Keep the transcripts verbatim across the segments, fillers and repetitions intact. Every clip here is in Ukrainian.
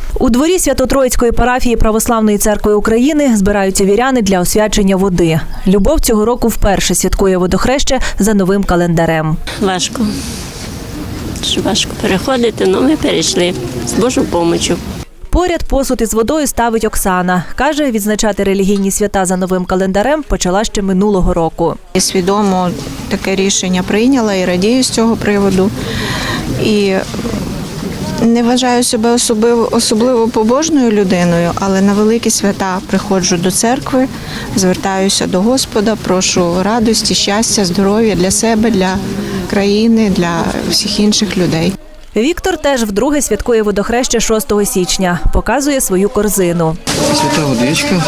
У дворі Свято-Троїцької парафії Православної церкви України збираються віряни для освячення води. Любов цього року вперше святкує водохреще за новим календарем. Важко. Дуже важко переходити, але ми перейшли з Божою допомогою. Поряд посуд із водою ставить Оксана. Каже, відзначати релігійні свята за новим календарем почала ще минулого року. Я свідомо таке рішення прийняла і радію з цього приводу. І не вважаю себе особливо, особливо побожною людиною, але на великі свята приходжу до церкви, звертаюся до Господа, прошу радості, щастя, здоров'я для себе, для країни, для всіх інших людей. Віктор теж вдруге святкує водохреще шостого січня. Показує свою корзину. Свята водичка,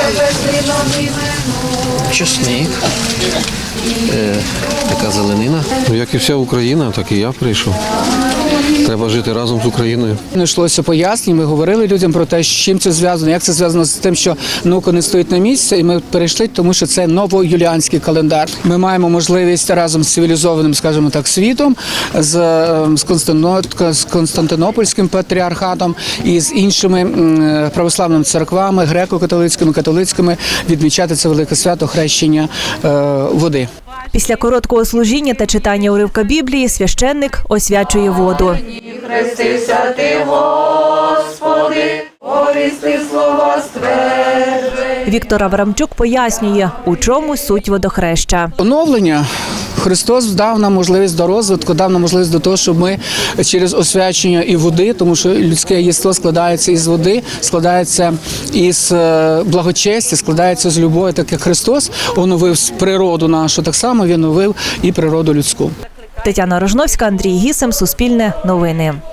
чесник, е, така зеленина. Ну, як і вся Україна, так і я прийшов. Треба жити разом з Україною. Не йшлося пояснень, ми говорили людям про те, з чим це зв'язано, як це зв'язано з тим, що наука не стоїть на місці, і ми перейшли, тому що це новоюліанський календар. Ми маємо можливість разом з цивілізованим, скажімо так, світом, з, з, Константино, з Константинопольським патріархатом і з іншими православними церквами, греко-католицькими, католицькими, відмічати це велике свято хрещення е, води. Після короткого служіння та читання уривка Біблії священник освячує воду. Хрестися ти, Господи, повісти слово стверджує. Віктор Аврамчук пояснює, у чому суть водохреща. Оновлення. Христос дав нам можливість до розвитку, дав нам можливість до того, щоб ми через освячення і води, тому що людське єство складається із води, складається із благочестя, складається з любові, так як Христос оновив природу нашу, так само Він оновив і природу людську. Тетяна Рожновська, Андрій Гісем, Суспільне новини.